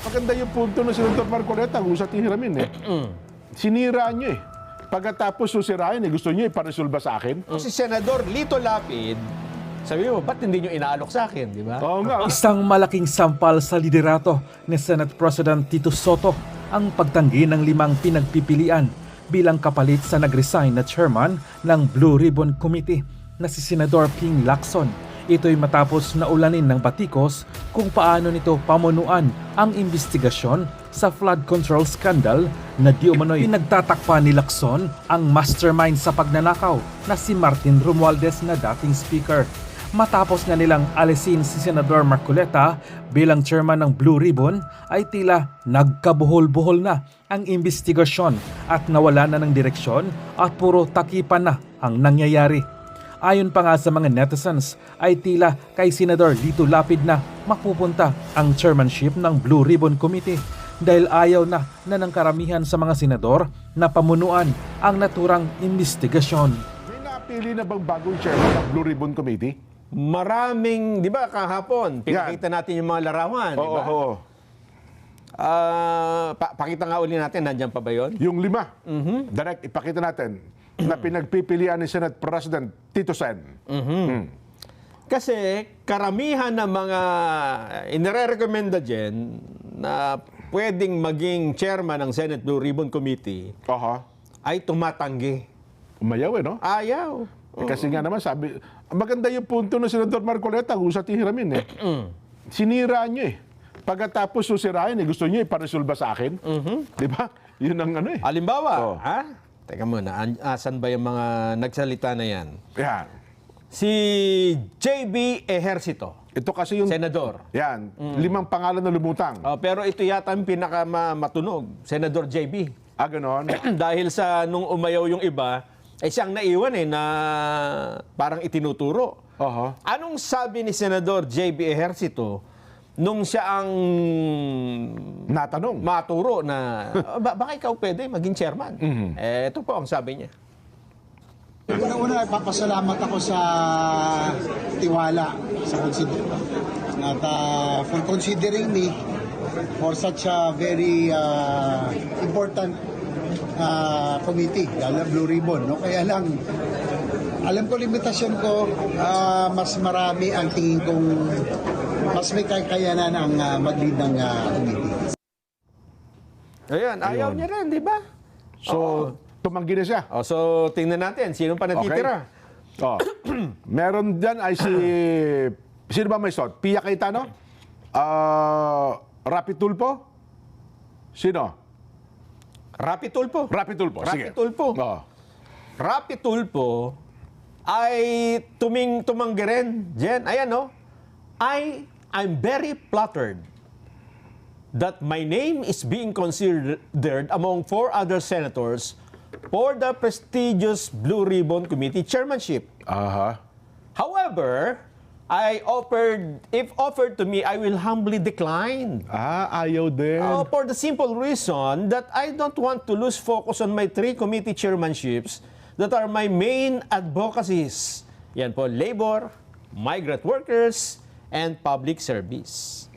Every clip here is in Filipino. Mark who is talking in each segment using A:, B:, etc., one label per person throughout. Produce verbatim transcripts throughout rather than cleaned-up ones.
A: Maganda yung punto ng Senator Marcoleta, husat ni Hiramin eh. Sinira nyo eh. Pagkatapos susirain eh, gusto nyo iparesolba sa akin?
B: Si Senador Lito Lapid, sabi mo, ba't hindi nyo inaalok sa akin, di ba?
A: Oo nga.
C: Isang malaking sampal sa liderato ni Senate President Tito Soto ang pagtanggi ng limang pinagpipilian bilang kapalit sa nag-resign na chairman ng Blue Ribbon Committee na si Senador Ping Lacson. Ito'y matapos na ulanin ng batikos kung paano nito pamunuan ang investigasyon sa flood control scandal na di umano'y pinagtatakpan ni Lacson ang mastermind sa pagnanakaw na si Martin Romualdez na dating speaker. Matapos na nilang alisin si Senador Marcoleta bilang chairman ng Blue Ribbon ay tila nagkabuhol-buhol na ang investigasyon at nawala na ng direksyon at puro takipan na ang nangyayari. Ayon pa nga sa mga netizens ay tila kay Senador Lito Lapid na mapupunta ang chairmanship ng Blue Ribbon Committee dahil ayaw na na ng karamihan sa mga senador na pamunuan ang naturang investigasyon.
A: May napili na bang bagong chairman ng Blue Ribbon Committee?
B: Maraming, di ba, kahapon, pinakita natin yung mga larawan, di
A: Oo,
B: ba?
A: oo.
B: Ah, pa- pakita nga uli natin, nandyan pa ba yun?
A: Yung lima. Direct, ipakita natin na pinagpipilian ni Senate President Tito Sen.
B: Kasi karamihan ng mga inire-recommenda dyan na pwedeng maging chairman ng Senate Blue Ribbon Committee
A: Aha.
B: ay tumatanggi.
A: Umayaw eh, no?
B: Ayaw.
A: Eh, Kasi nga naman sabi, maganda yung punto ng Senador Marcoleta, husat ni Hiramin eh. Sinira nyo eh. Pagkatapos susirain eh, gusto nyo iparesolba sa akin? Di ba? Yun ang ano eh.
B: Halimbawa,
A: Oh.
B: ha? Teka muna, an- asan ba yung mga nagsalita na yan?
A: Yan.
B: Si J B Ejercito,
A: Ito kasi yung...
B: senador.
A: Yan. Limang pangalan na lumutang.
B: Oh, pero ito yata ang pinakamatunog, Senador J B.
A: Ah, ganon?
B: Dahil sa nung umayaw yung iba, ay siyang naiwan eh na parang itinuturo.
A: Aha.
B: Anong sabi ni Senador J B Ejercito nung siya ang
A: Natanong.
B: maturo na "Oh, ba baka ikaw pwede maging chairman? Eh, ito po ang sabi niya.
D: Una-una, papasalamat ako sa tiwala sa consider at uh, for considering me for such a very uh, important uh, committee, lalo Blue Ribbon. No? Kaya lang, alam ko limitasyon ko, uh, mas marami ang tingin kong mas may kakayanan ang uh, mag-lead ng uh, committee.
B: Ayan, ayaw niya rin, di ba?
A: So, tumanggi na siya.
B: Oh, so, tingnan natin, sino pa natitira?
A: Oh. Meron dyan ay si... Sino ba may slot? Pia Cayetano? Ah, Rapi Tulfo? Sino?
B: Rapi Tulfo.
A: Rapi Tulfo,
B: Rapi
A: sige.
B: Tulfo.
A: Oh.
B: Rapi Tulfo ay tuming tumanggi rin. Jen, ayan no. I, I'm very flattered that my name is being considered among four other senators for the prestigious Blue Ribbon Committee chairmanship.
A: Aha.
B: However, I offered, if offered to me, I will humbly decline.
A: Ah, ayaw din.
B: Uh, for the simple reason that I don't want to lose focus on my three committee chairmanships that are my main advocacies. Yan po, labor, migrant workers, and public service.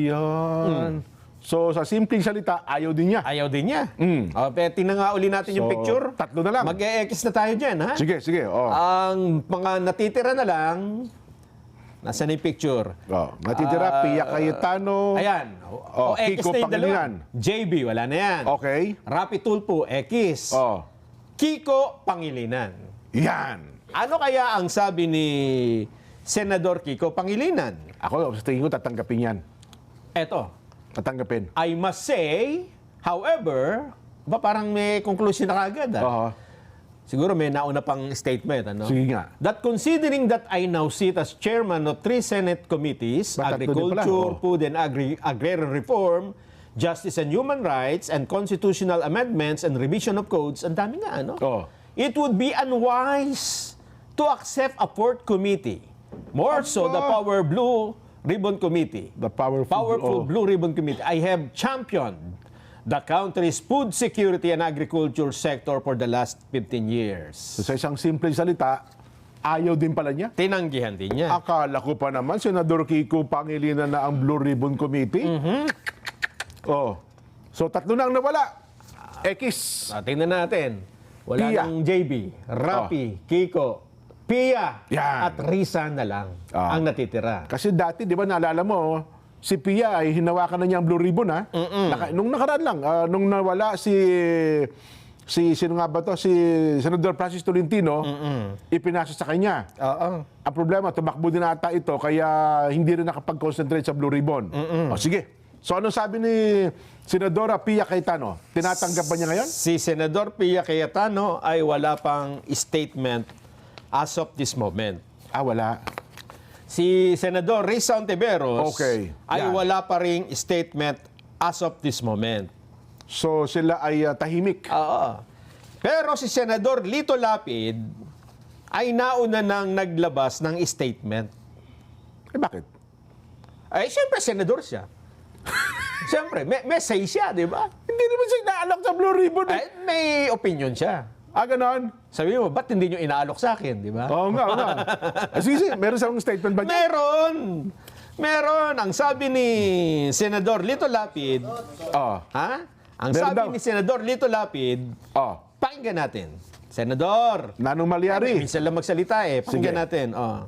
A: Ayun. So, sa simpleng salita, ayaw din niya.
B: Ayaw din niya.
A: Mm.
B: Uh, pero tingnan nga uli natin yung
A: So,
B: picture.
A: tatlo na lang.
B: Mag-e-X na tayo dyan, ha?
A: Sige, sige. Oh.
B: Ang mga natitira na lang, nasa na yung picture?
A: Oh. Natitira,
B: Ah,
A: Pia Cayetano.
B: Ayan.
A: Oh,
B: O, X
A: Kiko
B: na yung dalawa.
A: Pangilinan.
B: J B, wala na yan.
A: Okay.
B: Rapi Tulfo, X.
A: Oh.
B: Kiko Pangilinan.
A: Yan.
B: Ano kaya ang sabi ni Senador Kiko Pangilinan?
A: Ako, sa tingin ko, tatanggapin yan.
B: Eto,
A: Tatanggapin.
B: I must say, however, ba parang may conclusion na kagad, ah?
A: Oo.
B: Siguro may nauna pang statement, ano?
A: Sige nga.
B: That considering that I now sit as chairman of three Senate committees,
A: Ba, tatlo din pala,
B: Agriculture,
A: oh.
B: Food and Agri- Agrarian Reform, Justice and Human Rights, and Constitutional Amendments and Revision of Codes, ang dami nga, ano?
A: Oh.
B: It would be unwise to accept a fourth committee. More so, the
A: Aba.
B: Power Blue Ribbon Committee.
A: The powerful.
B: Powerful
A: oh.
B: Blue Ribbon Committee. I have championed the country's food security and agriculture sector for the last fifteen years.
A: So, sa isang simpleng salita, ayaw din pala niya.
B: Tinanggihan din niya.
A: Akala ko pa naman, Senador Kiko Pangilinan na ang Blue Ribbon Committee. Oh. So, tatlo na ang nawala. X.
B: Ah, tingnan natin. Wala
A: Pia.
B: ng J B, Rapi, Kiko, Pia,
A: Yan.
B: at Risa na lang
A: Ah.
B: ang natitira.
A: Kasi dati, di ba, naalala mo, si Pia ay hinawakan na niya ang Blue Ribbon, ha? Naka, nung nakaraan lang, ah, nung nawala si... Si, sino nga ba to? Si Senador Francis Tolentino, ipinasa sa kanya.
B: Oo.
A: Ang problema, tumakbo din ata ito, kaya hindi rin nakapag-concentrate sa Blue Ribbon. O sige. So anong sabi ni Senadora Pia Cayetano? Tinatanggap ba niya ngayon?
B: Si Senador Pia Cayetano ay wala pang statement as of this moment.
A: Ah, wala.
B: Si Senador Risa Ontiveros
A: Okay.
B: ay
A: Yan.
B: wala pa ring statement as of this moment.
A: So sila ay uh, tahimik.
B: Oo. Pero si Senador Lito Lapid ay nauna nang naglabas ng statement.
A: Eh bakit?
B: Ay, siyempre, senador siya. Siyempre, may, may say siya, di ba?
A: Hindi naman siya inaalok sa Blue Ribbon. Eh.
B: Ay, may opinion siya.
A: Ah, ganon?
B: Sabi mo, ba't hindi nyo inaalok sa akin, di ba?
A: Oo nga, oo nga. Ah, sige, sige. Meron siyang statement ba niya?
B: Meron! Meron! Ang sabi ni Senador Lito Lapid,
A: Oo.
B: ha? Ang
A: Meron
B: sabi
A: daw.
B: ni Senador Lito Lapid,
A: Oh.
B: pakinggan natin. Senador!
A: Nanong Malyari.
B: Minsan lang magsalita eh. Pakinggan
A: Sige.
B: natin. Oh.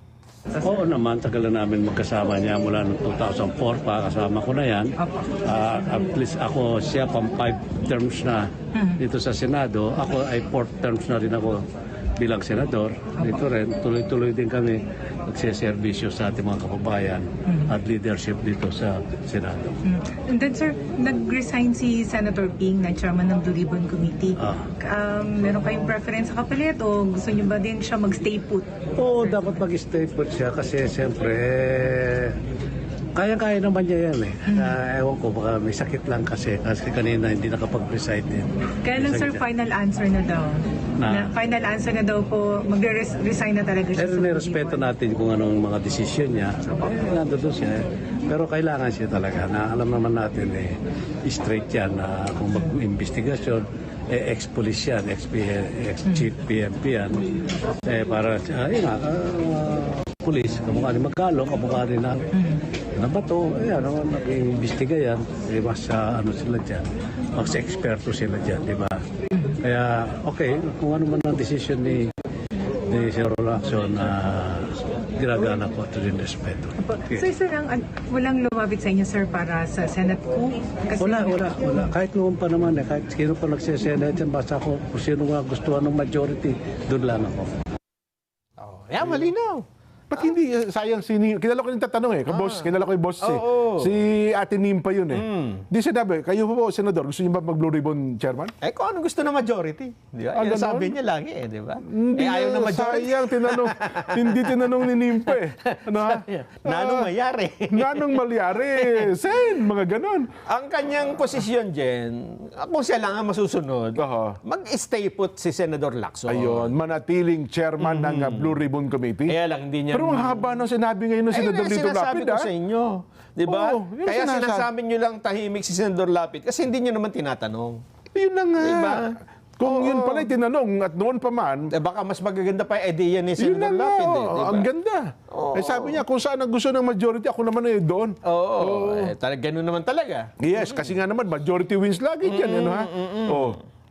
E: Oo naman, tagal na namin magkasama niya mula noong two thousand four pa, kasama ko na yan. Ah, at least ako, siya pang five terms na dito sa Senado. Ako ay fourth terms na rin ako bilang senador. Dito rin, tuloy-tuloy din kami nagsiservisyo sa ating mga kababayan at leadership dito sa Senado.
F: And then sir, nag-resign si Senator Ping na chairman ng Blue Ribbon Committee.
E: Ah.
F: Um, meron kayong preference sa kapalit o gusto niyo ba din siya mag-stay put?
E: Oo, dapat mag-stay put siya kasi siyempre, eh, kaya-kaya naman niya yan eh. Ah, ewan ko, baka may sakit lang kasi. Kasi kanina hindi nakapag-recite din.
F: Kaya lang
E: May
F: sir,
E: sakit yan.
F: final answer na daw.
E: Na?
F: Na, final answer na daw po, magre-resign na talaga siya
E: Pero
F: sa Blue
E: nirespeto
F: Ribbon.
E: natin kung anong mga desisyon niya. Eh, nandun siya. eh. Pero kailangan siya talaga na alam naman natin eh, straight yan na kung mag-investigasyon, eh, ex-police yan, ex-chief P M P yan. Eh, para, uh, yun nga, uh, police, kamukha ni Magkalo, kamukha rin na, na bato, eh, ano, nag-iimbestiga yan, eh, mas uh, ano sila dyan, mas eksperto sila dyan, di ba? Kaya, okay, kung ano man ang desisyon ni ni Sir Lacson na ginagana ko ito din respeto.
F: So sir, ang, an- walang lumapit sa inyo sir para sa Senate coup? Kasi
E: Wala, wala, wala. Kahit noon pa naman eh, kahit sino pa nagsisenate yan, basta ako kung sino nga gustuhan ng majority, doon lang ako.
B: Oh. Yeah, malinaw.
A: Ba't hindi, eh, sayang, si Nim, kilala ko yung tatanong eh, kabos, kilala ko yung boss eh.
B: Oo.
A: Si Ate Nim pa yun eh. Di sinabi, kayo po, Senador, gusto niyo ba mag-Blue Ribbon Chairman?
B: Eh, kung ano gusto ng majority. Di ba?
A: Ah,
B: Yan
A: ganon?
B: sabi niya lagi eh, di ba?
A: Hindi
B: Eh, ayaw
A: na,
B: ng majority.
A: sayang, tinanong, hindi tinanong ni Nim pa eh. Ano ha?
B: Nanong
A: Ah,
B: mayari.
A: Nanong Malyari, Sen, mga ganon.
B: Ang kanyang posisyon, Jen, kung siya lang ang masusunod,
A: Aha.
B: mag-stay put si Senador Lacson.
A: Ayun, manatiling chairman ng uh, Blue Ribbon Committee.
B: Kaya lang, hindi niya...
A: Pero ang haba ng sinabi ngayon ng
B: Ayun
A: Senador
B: ang
A: Lito
B: sinasabi
A: Lapid,
B: ko
A: ah.
B: sa inyo. Di ba?
A: Oo, yun ang
B: Kaya
A: sinasabi.
B: sinasabi niyo lang tahimik si Senador Lapid kasi hindi niyo naman tinatanong.
A: Yun na nga.
B: Diba?
A: Kung
B: Oo.
A: yun pala tinanong at noon pa man,
B: Eh baka mas magaganda pa yung idea ni
A: yun na
B: Senador
A: nga.
B: Lapid. Eh,
A: oh,
B: di ba?
A: Ang ganda.
B: Oo.
A: Eh sabi niya, kung saan ang gusto ng majority, ako naman eh doon.
B: Oo, eh, talaga ganun naman talaga.
A: Yes, kasi nga naman, majority wins lagi dyan. Ano, ha? Oh.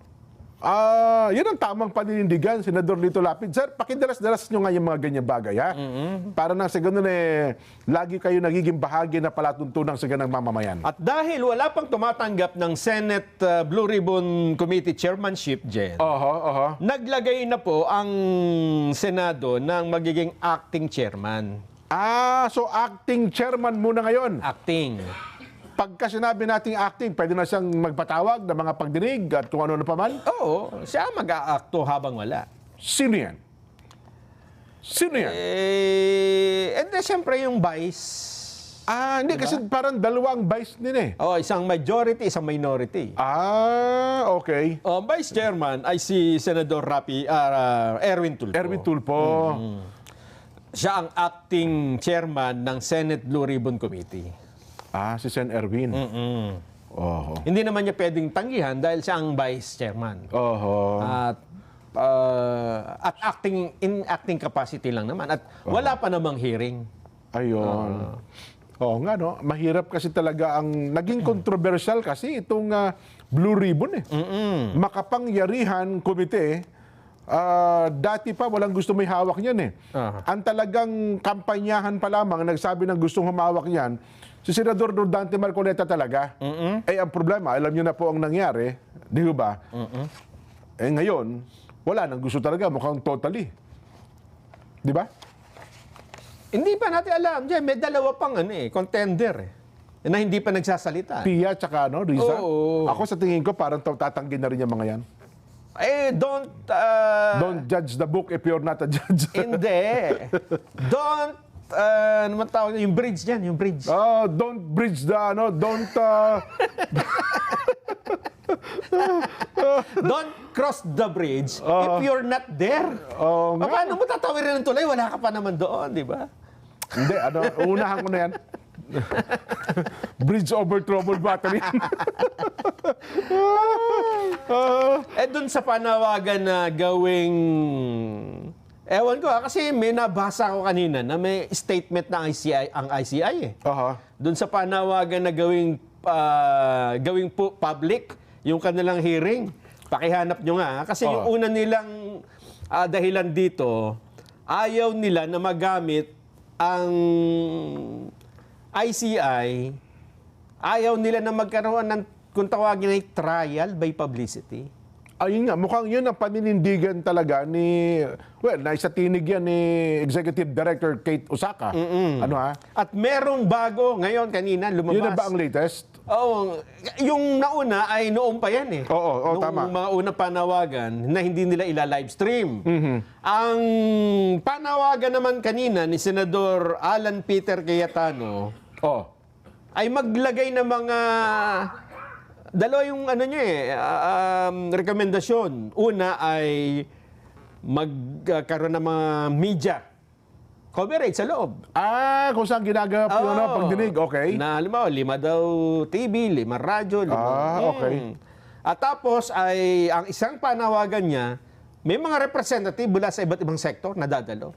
A: Ah, yun ang tamang paninindigan, Senador Lito Lapid. Sir, pakidalas-dalas nyo nga yung mga ganyan bagay, ha? Para na sa ganun eh, lagi kayo nagiging bahagi na palatuntunan sa ganang mamamayan.
B: At dahil wala pang tumatanggap ng Senate uh, Blue Ribbon Committee chairmanship, Jen,
A: Oho, oho.
B: naglagay na po ang Senado ng magiging acting chairman.
A: Ah, so acting chairman muna ngayon.
B: Acting.
A: Pagka sinabi nating acting, pwede na siyang magpatawag ng mga pagdinig at kung ano na paman.
B: Oo, siya mag-aakto habang wala.
A: Sino yan? Sino yan?
B: Eh, and then siyempre yung vice.
A: Ah, hindi, kasi parang dalawang vice din eh.
B: Oh, isang majority, isang minority.
A: Ah, okay.
B: Oh, vice chairman ay si Senador Rapi, ah, Erwin Tulfo.
A: Erwin Tulfo.
B: Siya ang acting chairman ng Senate Blue Ribbon Committee.
A: Ah, si Sen Erwin.
B: Mm.
A: Oho.
B: Hindi naman niya pwedeng tanggihan dahil siya ang vice chairman.
A: Oho.
B: At ah, at acting in acting capacity lang naman at wala pa namang hearing.
A: Ayun. Oo nga, no? Mahirap kasi talaga ang naging controversial kasi itong ah, Blue Ribbon eh. Makapangyarihan komite, ah, dati pa walang gusto may hawak niyan eh.
B: Aha.
A: Ang talagang kampanyahan pa lamang nagsabi ng gustong humawak niyan, si Senador Dante Marcoleta talaga. Eh ang problema, alam niyo na po ang nangyari, di ba? Eh ngayon, wala nang gusto talaga, mukhang totally. Di ba?
B: Hindi pa natin alam. Diyan, may dalawa pang ano eh, contender eh, na hindi pa nagsasalita.
A: Pia tsaka ano, Riza.
B: Oo.
A: Ako sa tingin ko parang tatanggi na rin yung mga yan.
B: Eh, don't... uh,
A: Don't judge the book if you're not a judge.
B: Hindi. Don't... Uh, ano man tawag? Yung bridge niyan, yung bridge.
A: Oh, don't bridge the ano, don't uh,
B: Don't cross the bridge if you're not there.
A: Oo nga.
B: Paano mo tatawirin ng tulay? Wala ka pa naman doon, di ba?
A: hindi ano, unahan ko na yan. Bridge over troubled battery. Ah,
B: Eh, dun sa panawagan na gawing... Ewan ko ha, kasi may nabasa ko kanina na may statement ng I C I, ang I C I eh.
A: aha.
B: Doon sa panawagan na gawing ah, gawing pu- public yung kanilang hearing. Pakihanap nyo nga. ha? Kasi yung
A: Oo.
B: una nilang ah, dahilan dito, ayaw nila na magamit ang I C I, ayaw nila na magkaroon ng kung tawagin ay trial by publicity.
A: Ayun nga, mukhang yun ang paninindigan talaga ni, well, naisatinig yan ni Executive Director Kate Osaka. Ano ha?
B: At merong bago ngayon, kanina, lumabas.
A: Yun na ba ang latest?
B: Oo. Yung nauna ay noon pa yan eh.
A: Oo, oo,
B: Noong
A: tama.
B: mga unang panawagan na hindi nila ila-livestream. Ang panawagan naman kanina ni Senador Alan Peter Cayetano
A: Oh.
B: ay maglagay ng mga... Dalawa yung ano niya eh, ah, um, rekomendasyon. Una ay magkaroon ng mga media coverage sa loob.
A: Ah, kung saan ginagawa po yun,
B: Oo.
A: pagdinig, okay.
B: Na halimbawa, lima daw T V, lima radyo, lima...
A: Ah, okay.
B: Hmm. At tapos ay ang isang panawagan niya, may mga representative mula sa iba't ibang sektor na dadalo.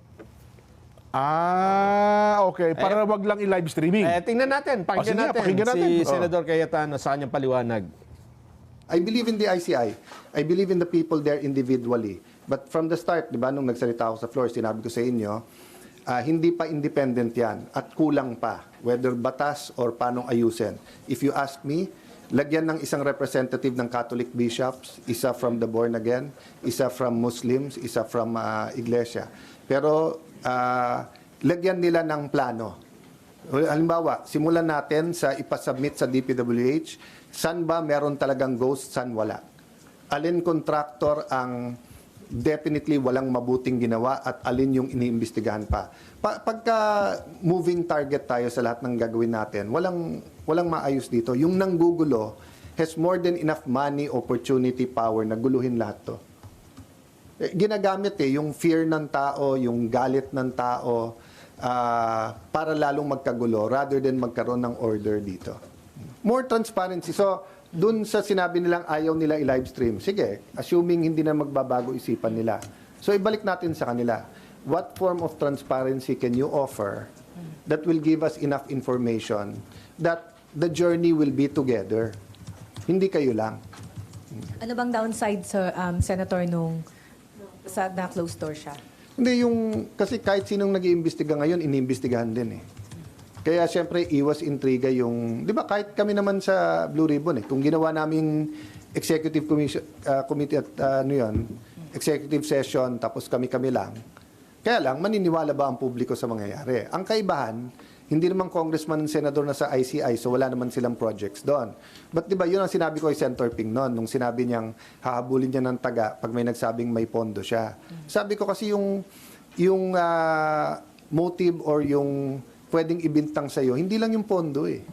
A: Ah, okay. Para wag lang i-live streaming.
B: Eh, tingnan natin, pakinggan
A: sige,
B: natin,
A: pakinggan natin.
B: si
A: Oh.
B: Senador Cayetano sa kanyang paliwanag.
G: I believe in the I C I. I believe in the people there individually. But from the start, di ba, nung nagsalita ako sa floor, sinabi ko sa inyo, ah, hindi pa independent yan at kulang pa, whether batas or paano ayusin. If you ask me, lagyan ng isang representative ng Catholic bishops, isa from the born again, isa from Muslims, isa from ah, Iglesia. Pero ah, lagyan nila ng plano. Halimbawa, simulan natin sa ipasubmit sa D P W H, saan ba meron talagang ghost, saan wala. Alin contractor ang definitely walang mabuting ginawa at alin yung iniimbestigahan pa. pa pagka moving target tayo sa lahat ng gagawin natin, walang, walang maayos dito. Yung nanggugulo has more than enough money, opportunity, power na guluhin lahat to. Eh, ginagamit eh, yung fear ng tao, yung galit ng tao, ah, para lalong magkagulo rather than magkaroon ng order dito. More transparency. So, dun sa sinabi nilang ayaw nila i-livestream, sige, assuming hindi na magbabago isipan nila. So, ibalik natin sa kanila. What form of transparency can you offer that will give us enough information that the journey will be together? Hindi kayo lang.
H: Ano bang downside sa um, Senator nung sa na closed door siya?
G: Hindi, yung, kasi kahit sinong nag-iimbestiga ngayon, iniimbestigahan din eh. Kaya siyempre, iwas intriga yung, di ba kahit kami naman sa Blue Ribbon eh, kung ginawa naming executive commission, uh, committee at uh, ano yun, executive session, tapos kami-kami lang, kaya lang, maniniwala ba ang publiko sa mangyayari? Ang kaibahan, hindi naman congressman and senador na sa I C I, so wala naman silang projects doon. But di ba, yun ang sinabi ko kay Senator Ping noon, nung sinabi niyang hahabulin niya ng taga pag may nagsabing may pondo siya. Sabi ko kasi yung, yung ah, motive or yung pwedeng ibintang sa'yo, hindi lang yung pondo eh.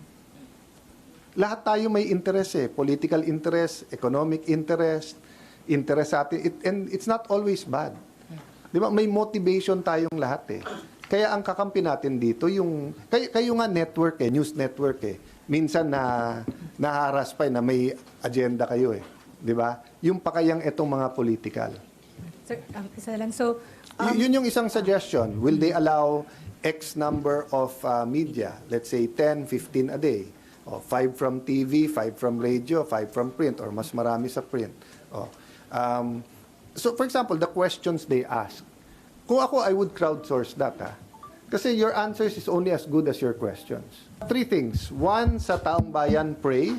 G: Lahat tayo may interest eh. Political interest, economic interest, interest sa atin. It, and it's not always bad. Di ba? May motivation tayong lahat eh. Kaya ang kakampi natin dito, yung, kayo, kayo nga network eh, news network eh. Minsan na naharas pa eh, na may agenda kayo eh. Di ba? Yung pakayang itong mga political.
H: Sir, um, isa lang. So,
G: Y- yun yung isang suggestion. Will they allow X number of uh, media, let's say ten, fifteen a day. O, five from T V, five from radio, five from print, or mas marami sa print. O, um, so, for example, the questions they ask. Kung ako, I would crowdsource that, ha? Kasi your answers is only as good as your questions. Three things. One, sa taong bayan, pray.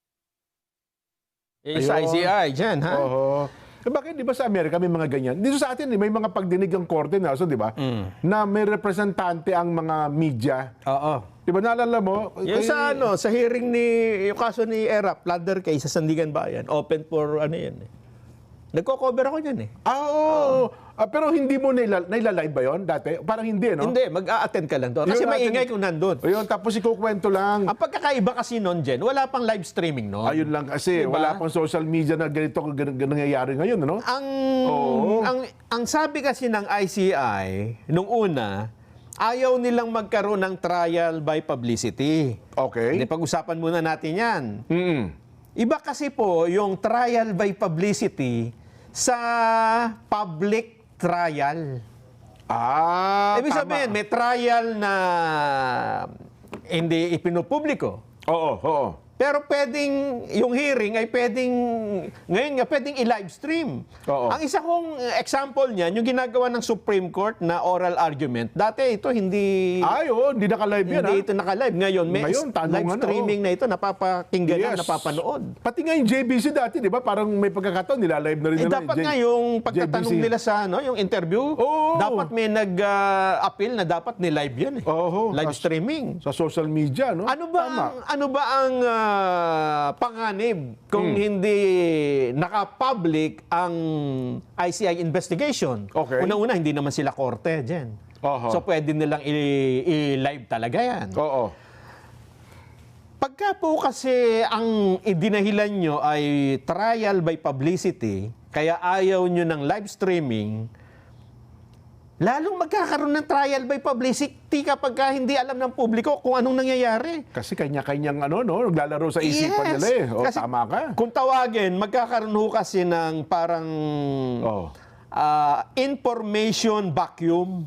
B: Eh, sa I C I, dyan, ha?
A: Oo. Eh, bakit di ba sa Amerika may mga ganyan? Dito sa atin, eh, may mga pagdinig ang korte na, so, di ba? Na may representante ang mga media.
B: Oo.
A: Di ba naalala mo?
B: Yung
A: Kay-
B: sa ano, sa hearing ni, yung kaso ni Erap, plunder case sa Sandigan Bayan, open for ano yan eh. Nagko-cover ako niyan eh.
A: Ah, oo. Ah, pero hindi mo naila, nailalive ba yun dati? Parang hindi, no?
B: Hindi, mag-a-attend ka lang doon. Kasi
A: Yun natin-
B: maingay kung nandun.
A: O yun, tapos ikukwento lang.
B: Ang pagkakaiba kasi noon, Jen, wala pang live streaming noon.
A: Ayun lang kasi,
B: Diba?
A: wala pang social media na ganito gan- gan- nangyayari ngayon, ano?
B: Ang,
A: Oo.
B: ang, ang sabi kasi ng I C I, nung una, ayaw nilang magkaroon ng trial by publicity.
A: Okay.
B: Hindi, pag-usapan muna natin yan.
A: Mm.
B: Iba kasi po yung trial by publicity sa public trial.
A: Ah,
B: Ibig
A: tama.
B: sabihin, may trial na hindi ipinupubliko.
A: Oo, oo.
B: Pero pwedeng, yung hearing ay pwedeng, ngayon nga, pwedeng i-live stream.
A: Oo.
B: Ang isa kong example niyan, yung ginagawa ng Supreme Court na oral argument. Dati ito hindi...
A: Ay, oo, hindi naka-live yan,
B: Hindi
A: ha?
B: ito naka-live. Ngayon, may
A: Ngayon,
B: is-
A: tanungan
B: live
A: na,
B: streaming
A: oh.
B: na ito, napapakinggan
A: Yes.
B: na, napapanood.
A: Pati nga yung J B C dati, di ba? Parang may pagkakataon, nila-live na rin
B: Eh,
A: nila.
B: dapat
A: J-
B: nga yung pagtatanong
A: J B C.
B: nila sa ano, yung interview,
A: Oo.
B: dapat may nag-appeal na dapat ni-live yan eh.
A: Oo.
B: Live
A: Sa-
B: streaming.
A: Sa social media, no?
B: Ano ba
A: Tama.
B: ang ano ba ang ah, panganib kung
A: Hmm.
B: hindi naka-public ang I C I investigation?
A: Okay.
B: Una-una hindi naman sila korte diyan.
A: Oho.
B: So pwede nilang i- i-live talaga 'yan.
A: Oo.
B: Pagka po kasi ang idinahilan nyo ay trial by publicity, kaya ayaw nyo ng live streaming, lalong magkakaroon ng trial by publicity kapag ka hindi alam ng publiko kung anong nangyayari.
A: Kasi kanya-kanyang ano, no? Naglalaro sa isipan
B: Yes.
A: nila eh. O,
B: Kasi
A: tama ka.
B: Kung tawagin, magkakaroon ho kasi ng parang
A: Oh.
B: ah, information vacuum.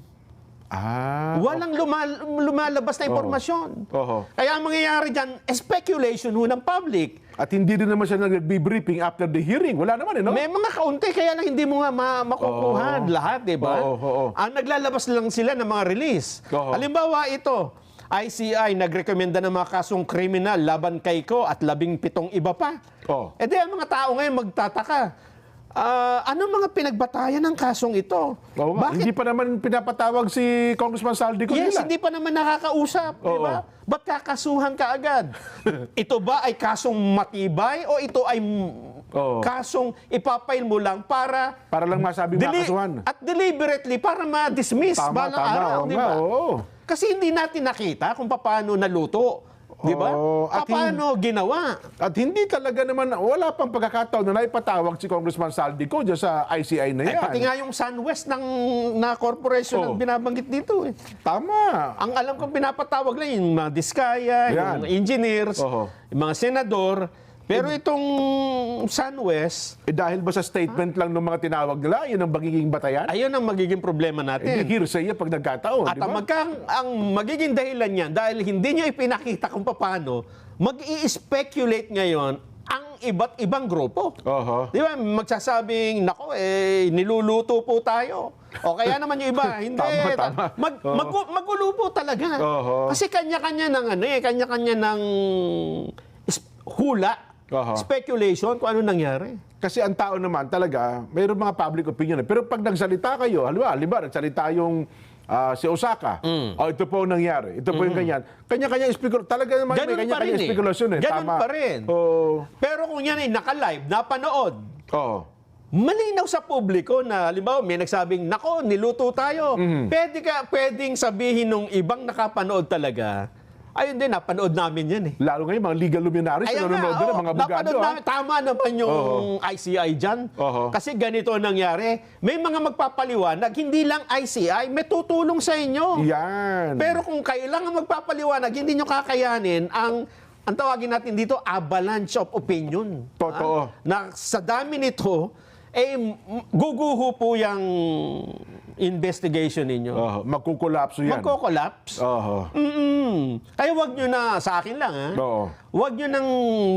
A: Ah.
B: Walang lumal- lumalabas na impormasyon.
A: Oho.
B: Kaya ang mangyayari dyan, speculation ho ng public.
A: At hindi din naman siya nag-briefing after the hearing. Wala naman, eh, no?
B: May mga kaunti, kaya lang hindi mo nga ma- makukuha
A: Oo.
B: lahat, di ba?
A: Oo, oo.
B: Ang naglalabas lang sila ng mga release.
A: Oo.
B: Halimbawa ito, I C I nagrekomenda ng mga kasong kriminal laban kay Ko at labing pitong iba pa.
A: Oo.
B: E di ang mga tao ngayon magtataka. Ah, ano mga pinagbatayan ng kasong ito?
A: Oo nga.
B: Bakit?
A: Hindi pa naman pinapatawag si Congressman Saldico
B: Yes,
A: nila.
B: hindi pa naman nakakausap, di
A: Oo.
B: ba? Ba't kakasuhan ka agad? Ito ba ay kasong matibay o ito ay mm,
A: Oo.
B: kasong ipapail mo lang para
A: Para lang masabing
B: Deli-
A: makasuhan.
B: at deliberately para ma-dismiss
A: Tama,
B: balang
A: tama.
B: araw,
A: Oo
B: di
A: nga,
B: ba?
A: oo.
B: Kasi hindi natin nakita kung paano naluto, di ba?
A: Oo, at
B: Paano ginawa?
A: At hindi talaga naman, wala pang pagkakataon na naipatawag si Congressman Saldico dyan sa I C I na
B: Ay,
A: yan.
B: pati nga yung SunWest ng na corporation ang
A: Oo.
B: binabanggit dito eh.
A: Tama.
B: Ang alam kong pinapatawag lang yung mga diskaya,
A: Yan.
B: yung engineers,
A: Oho.
B: yung mga senador. Pero itong SunWest,
A: Eh dahil ba sa statement lang ng mga tinawag nila, yun ang magiging batayan?
B: ayun ang magiging problema
A: Eh,
B: natin.
A: hearsay yan pag nagkataon,
B: At
A: di
B: ang,
A: ba?
B: magka, ang magiging dahilan niyan, dahil hindi niya ipinakita kung paano, mag-i-speculate ngayon ang iba't ibang grupo.
A: Oho.
B: Di ba? Magsasabing, nako, eh, niluluto po tayo. O kaya naman yung iba, hindi.
A: Tama, tama.
B: Mag,
A: Oo.
B: magu- magulo po talaga.
A: Oho.
B: Kasi kanya-kanya ng ano eh, kanya-kanya ng is- hula,
A: Oho.
B: speculation kung ano nangyari.
A: Kasi ang tao naman talaga, mayroong mga public opinion. eh. Pero pag nagsalita kayo, halimbawa, halimbawa nagsalita yung ah, si Osaka,
B: Mm.
A: oh, ito po ang nangyari, ito po yung ganyan. Kanya-kanya speculation. Talaga naman
B: Ganun
A: may
B: pa
A: kanya-kanya
B: rin eh.
A: speculation eh.
B: Ganun
A: Tama.
B: pa rin.
A: Oo.
B: Pero kung yan ay naka-live, napanood,
A: Oo.
B: malinaw sa publiko na, halimbawa, may nagsabing, nako, niluto tayo.
A: Mhm.
B: Pwede ka, pwedeng sabihin nung ibang nakapanood talaga, ayun din, napanood namin yan eh.
A: Lalo ngayon, mga legal luminaries na
B: Ayan
A: nanonood
B: nga,
A: din,
B: oh,
A: mga abogado.
B: napanood
A: ah.
B: namin, tama naman yung I C I dyan.
A: Oho.
B: Kasi ganito ang nangyari. May mga magpapaliwanag, hindi lang I C I, may tutulong sa inyo.
A: Yan.
B: Pero kung kailangan magpapaliwanag, hindi nyo kakayanin ang ang tawagin natin dito, avalanche of opinion.
A: Totoo.
B: Ah, na sa dami nito, eh, m- guguho po yung investigation ninyo.
A: Oho. Magkukulapso yan.
B: Magko-collapse.
A: Oho.
B: Mm-mm. Kaya wag nyo na, sa akin lang ha,
A: Oo.
B: wag nyo nang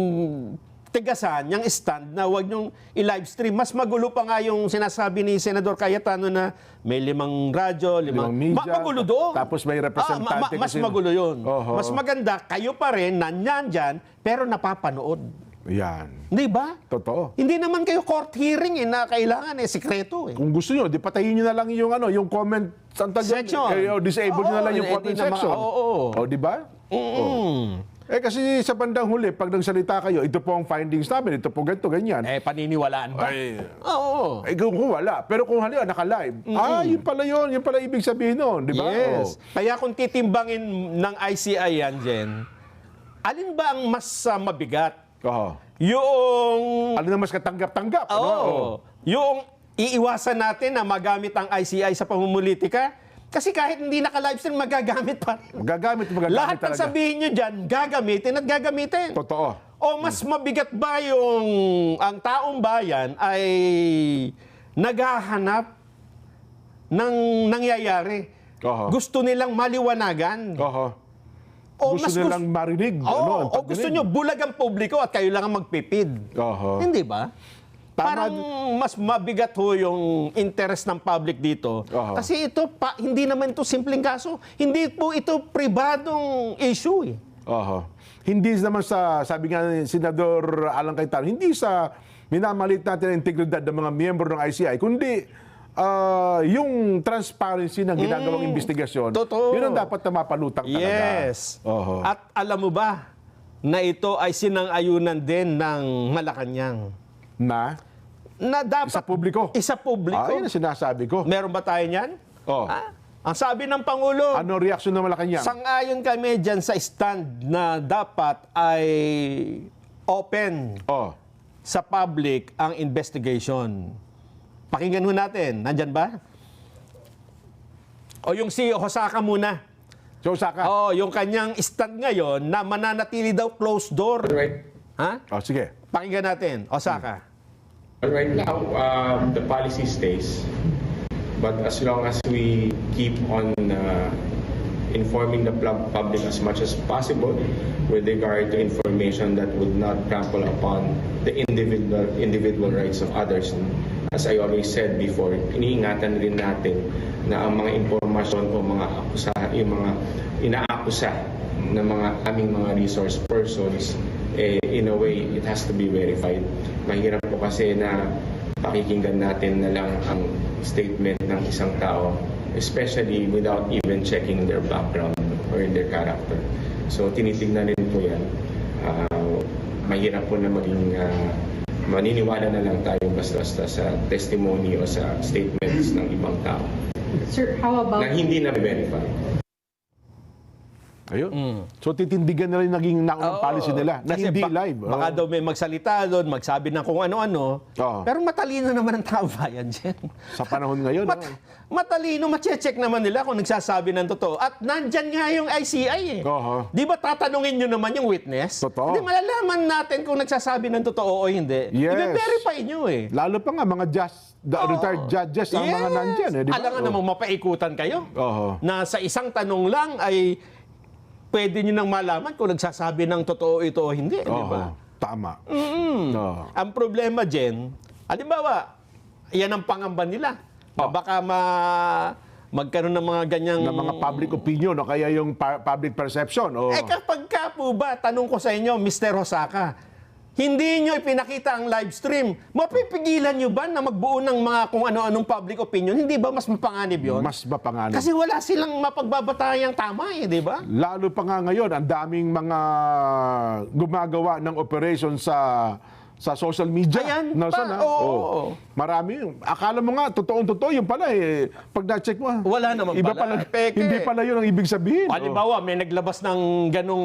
B: tigasan yung stand na wag nyo i-livestream. Mas magulo pa nga yung sinasabi ni Senador Cayetano na may limang radyo, limang...
A: Limang media,
B: Ma- magulo doon.
A: tapos may representante
B: Ah, ma- ma- mas
A: kasi-
B: magulo yun.
A: Oho.
B: Mas maganda, kayo pa rin, nanyan dyan, pero napapanood.
A: Yan.
B: Hindi ba?
A: Totoo.
B: Hindi naman kayo court hearing eh, na kailangan eh, sikreto eh.
A: Kung gusto nyo, di patayin nyo na lang yung ano, yung comment ang tawag doon,
B: Section.
A: Eh, o disable nyo na
B: Oo,
A: lang yung
B: eh,
A: comment
B: di naman-
A: section.
B: oo, oo.
A: O, di ba?
B: Mm.
A: Eh kasi sa bandang huli, pag nagsalita kayo, ito po ang findings namin, ito po ganito, ganyan.
B: Eh, paniniwalaan ba?
A: Ay,
B: Oo.
A: eh kung kung wala. Pero kung halimbawa naka-live, ah, yun pala yun, yun pala ibig sabihin nun, di ba?
B: Yes.
A: Oh.
B: Kaya kung titimbangin ng I C I yan, Jen, alin ba ang mas ah, mabigat?
A: Oho.
B: Yung...
A: Ano na mas katanggap-tanggap?
B: Oo.
A: ano? Oh.
B: Yung iiwasan natin na magamit ang I C I sa pamumulitika, kasi kahit hindi naka-livestream, magagamit pa rin.
A: Magagamit, magagamit
B: Lahat ng
A: talaga.
B: sabihin nyo dyan, gagamitin at gagamitin.
A: Totoo.
B: O mas mabigat ba yung ang taong bayan ay naghahanap ng nangyayari?
A: Oho.
B: Gusto nilang maliwanagan.
A: Oho.
B: O
A: gusto
B: mas
A: nilang marinig.
B: Oo,
A: ano, ang
B: o gusto
A: pagdinig.
B: nyo bulag ang publiko at kayo lang ang magpipid.
A: Oho.
B: Hindi ba?
A: Tama.
B: Parang mas mabigat ho yung interest ng public dito.
A: Oho.
B: Kasi ito, pa, hindi naman ito simpleng kaso. Hindi po ito pribadong issue eh.
A: Oho. Hindi naman sa, sabi nga ni Senador Alan Cayetano, hindi sa minamalit natin ang integridad ng mga miyembro ng I C I, kundi ah, yung transparency ng ginagawang investigasyon.
B: totoo.
A: Yun ang dapat na mapalutang talaga.
B: Yes.
A: Oho.
B: At alam mo ba na ito ay sinang-ayunan din ng Malacanang?
A: Na?
B: Na dapat...
A: Sa publiko?
B: Isa publiko.
A: Ah, yun ang sinasabi ko.
B: Meron ba tayo niyan?
A: Oh.
B: Ah, ang sabi ng Pangulo,
A: Ano reaksyon ng Malacanang?
B: sang-ayon kami dyan sa stand na dapat ay open
A: Oh.
B: sa public ang investigation. Pakinggan ho natin. Nandyan ba? O yung si Hosaka muna.
A: So, Saka.
B: O yung kanyang stand ngayon na mananatili daw closed door.
I: Right,
B: Ha?
A: Oh, sige.
B: Pakinggan natin. Osaka.
I: right now, um, the policy stays. But as long as we keep on uh, informing the pub- public as much as possible with regard to information that would not trample upon the individual individual rights of others. As I always said before, iniingatan rin natin na ang mga impormasyon o mga akusa, yung mga inaakusa ng mga aming mga resource persons, eh, in a way, it has to be verified. Mahirap po kasi na pakikinggan natin na lang ang statement ng isang tao, especially without even checking their background or their character. So tinitingnan rin po yan. Uh, mahirap po na maging uh, maniniwala na lang tayo basta-basta sa testimony o sa statements ng ibang tao
F: Sir, how about...
I: na hindi na verify.
A: Ayun. So, titindigan na rin naging naunang
B: Oo.
A: policy nila na
B: Kasi
A: hindi
B: ba-
A: live.
B: Baka
A: Oo.
B: daw may magsalita doon, magsabi ng kung ano-ano.
A: Oo.
B: Pero matalino naman ang tao bayan dyan.
A: Sa panahon ngayon.
B: Mat-
A: oh.
B: matalino, mache-check naman nila kung nagsasabi ng totoo. At nandyan nga yung I C I eh.
A: Oho.
B: Di ba tatanungin nyo naman yung witness?
A: Totoo.
B: Di malalaman natin kung nagsasabi ng totoo o hindi.
A: Yes.
B: I-verify nyo eh.
A: Lalo pa nga mga just, the
B: Oo.
A: retired judges ang mga
B: Yes.
A: nandyan. Eh, di ba?
B: Alam nga
A: Oh.
B: namang mapaikutan kayo.
A: Oho.
B: Na sa isang tanong lang ay pwede nyo nang malaman kung nagsasabi ng totoo ito o hindi. Di ba?
A: Oho. Tama.
B: Mm.
A: Oo.
B: Ang problema, Jen, halimbawa, yan ang pangamba nila. Na
A: Oh.
B: baka ma magkaroon ng mga ganyang...
A: Na mga public opinion o kaya yung pa- public perception. Oh.
B: Eh kapag ka po ba, tanong ko sa inyo, Mister Hosaka, hindi nyo ipinakita ang live stream, mapipigilan nyo ba na magbuo ng mga kung ano-anong public opinion? Hindi ba mas mapanganib yun?
A: Mas mapanganib.
B: Kasi wala silang mapagbabatayang tama eh, di ba?
A: Lalo pa nga ngayon, ang daming mga gumagawa ng operation sa sa social media.
B: Ayan
A: Nasaan,
B: pa,
A: ha?
B: oo.
A: Marami. Akala mo nga, totoong-totoo, yung pala eh. Pag na-check mo,
B: Wala naman
A: iba
B: pala.
A: pala.
B: Peke.
A: Hindi pala yun ang ibig sabihin.
B: Halimbawa, may naglabas ng ganong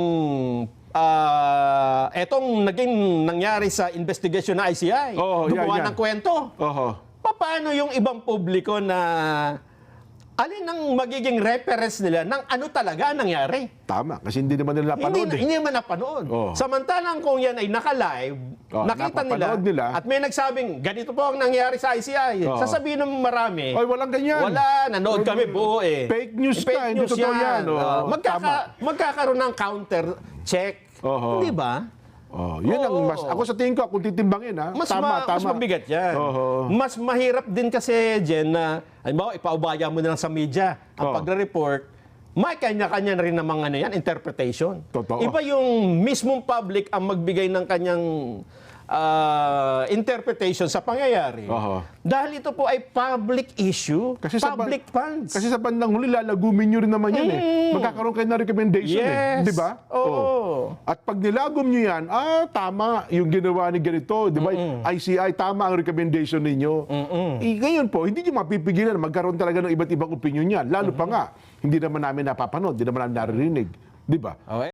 B: ah etong naging nangyari sa investigation ng I C I.
A: Oo, yan,
B: Gumawa
A: yan.
B: ng kwento.
A: Oho.
B: Paano yung ibang publiko na alin ang magiging reference nila ng ano talaga ang nangyari.
A: Tama, kasi hindi naman nila napanood
B: Hindi,
A: eh.
B: hindi naman napanood.
A: Oo.
B: Samantalang kung yan ay naka-live,
A: Oo,
B: nakita nila,
A: napapanood nila.
B: at may nagsabing, ganito po ang nangyari sa I C I.
A: Oo.
B: Sasabihin ng marami,
A: Oy, walang ganyan.
B: wala, nanood
A: Oy,
B: kami buo eh.
A: fake news
B: Fake
A: ka, hindi
B: news
A: totoo yan. Oo,
B: Oo, magkaka,
A: tama.
B: magkakaroon ng counter check.
A: Oo.
B: Di ba?
A: Oh, yun ang
B: Oo.
A: mas, ako sa tingin ko, kung titimbangin ha,
B: Mas,
A: tama,
B: ma-
A: tama.
B: mas mabigat yan.
A: Oo.
B: Mas mahirap din kasi, Jen, na, halimbawa, ipaubaya mo na lang sa media ang
A: Oo.
B: pagre-report, may kanya-kanya na rin namang ano yan, interpretation.
A: Totoo.
B: Iba yung mismong public ang magbigay ng kanyang ah, interpretation sa pangyayari.
A: Oo.
B: Dahil ito po ay public issue,
A: Kasi sa ban-
B: public funds.
A: Kasi sa bandang huli, lalagumin nyo rin naman yan eh. Magkakaroon kayo ng recommendation eh.
B: Yes.
A: Di ba?
B: Oo.
A: At pag nilagom nyo yan, ah, tama yung ginawa ni ganito. Di ba? I C I, tama ang recommendation ninyo. Eh, ngayon po, hindi nyo mapipigilan. Magkaroon talaga ng iba't ibang opinion yan. Lalo pa nga, hindi naman namin napapanood, hindi naman namin naririnig. Di ba?
B: Okay.